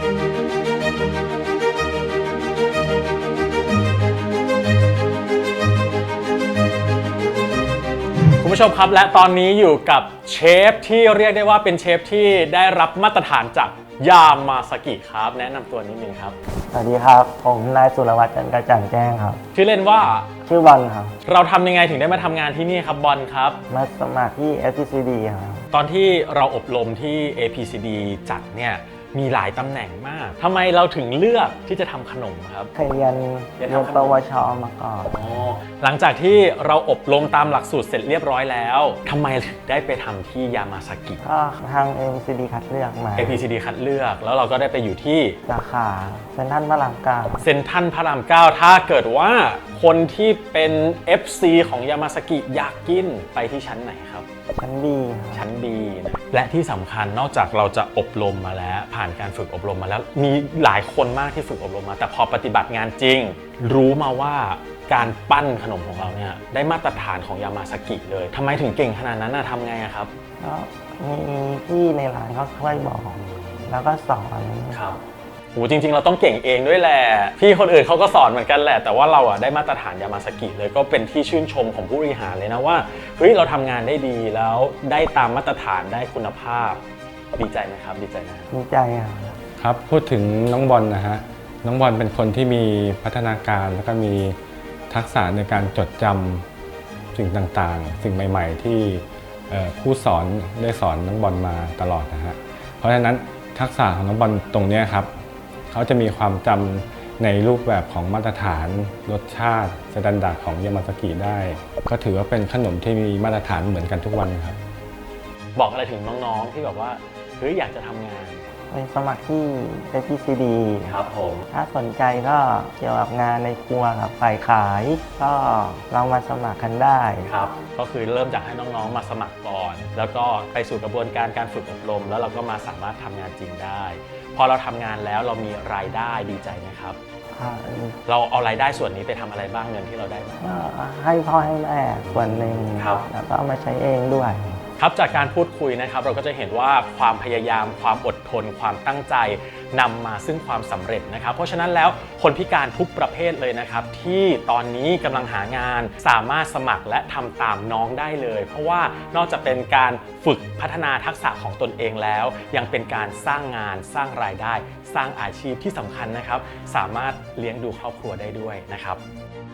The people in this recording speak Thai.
คุณผู้ชมครับและตอนนี้อยู่กับเชฟที่เรียกได้ว่าเป็นเชฟที่ได้รับมาตรฐานจากยามาซากิครับแนะนำตัวนิดนึงครับสวัสดีครับผมนายสุรวัตรจันทร์กระจ่างแจ้งครับชื่อเล่นว่าชื่อบอลครับเราทำยังไงถึงได้มาทำงานที่นี่ครับบอลครับมาสมัครที่ FPCD ครับตอนที่เราอบรมที่ APCD จัดเนี่ยมีหลายตำแหน่งมากทำไมเราถึงเลือกที่จะทำขนมครับเคยเรียนปวชมาก่อนหลังจากที่เราอบรมตามหลักสูตรเสร็จเรียบร้อยแล้วทำไมถึงได้ไปทำที่ยามาซากิก็ทาง APCD คัดเลือกมา APCD คัดเลือกแล้วเราก็ได้ไปอยู่ที่สาขาเซ็นทรัลพระรามเก้าเซ็นทรัลพระรามเก้าถ้าเกิดว่าคนที่เป็น FC ของยามาซากิอยากกินไปที่ชั้นไหนครับชั้นดีชั้นดีนะและที่สำคัญนอกจากเราจะอบรมมาแล้วผ่านการฝึกอบรมมาแล้วมีหลายคนมากที่ฝึกอบรมมาแต่พอปฏิบัติงานจริงรู้มาว่าการปั้นขนมของเราเนี่ยได้มาตรฐานของยามาซากิเลยทำไมถึงเก่งขนาดนั้นนะทำไงครับก็มีพี่ในร้านเขาช่วยบอกแล้วก็สอนครับโหจริงๆเราต้องเก่งเองด้วยแหละพี่คนอื่นเขาก็สอนเหมือนกันแหละแต่ว่าเราได้มาตรฐานยามาซากิเลยก็เป็นที่ชื่นชมของผู้บริหารเลยนะว่าเฮ้ยเราทำงานได้ดีแล้วได้ตามมาตรฐานได้คุณภาพดีใจไหมครับดีใจนะดีใจครับพูดถึงน้องบอลนะฮะน้องบอลเป็นคนที่มีพัฒนาการแล้วก็มีทักษะในการจดจำสิ่งต่างๆสิ่งใหม่ๆที่ผู้สอนได้สอนน้องบอลมาตลอดนะฮะเพราะฉะนั้นทักษะของน้องบอลตรงนี้ครับเขาจะมีความจำในรูปแบบของมาตรฐานรสชาติสแตนดาร์ดของยามาซากิได้ก็ถือว่าเป็นขนมที่มีมาตรฐานเหมือนกันทุกวันครับบอกอะไรถึงน้องๆที่แบบว่าเฮ้ยอยากจะทำงานไปสมัครที่ FPCD ครับผมถ้าสนใจก็เกี่ยวกับงานในครัวกับฝ่ายขายก็ลองมาสมัครกันได้ครับก็คือเริ่มจากให้น้องๆมาสมัครก่อนแล้วก็ไปสู่กระบวนการการฝึกอบรมแล้วเราก็มาสามารถทำงานจริงได้พอเราทำงานแล้วเรามีรายได้ดีใจไหมครับเราเอารายได้ส่วนนี้ไปทำอะไรบ้างเงินที่เราได้มาให้พ่อให้แม่ส่วนหนึ่งแล้วก็เอามาใช้เองด้วยครับจากการพูดคุยนะครับเราก็จะเห็นว่าความพยายามความอดทนความตั้งใจนำมาซึ่งความสำเร็จนะครับเพราะฉะนั้นแล้วคนพิการทุกประเภทเลยนะครับที่ตอนนี้กำลังหางานสามารถสมัครและทำตามน้องได้เลยเพราะว่านอกจากเป็นการฝึกพัฒนาทักษะของตนเองแล้วยังเป็นการสร้างงานสร้างรายได้สร้างอาชีพที่สำคัญนะครับสามารถเลี้ยงดูครอบครัวได้ด้วยนะครับ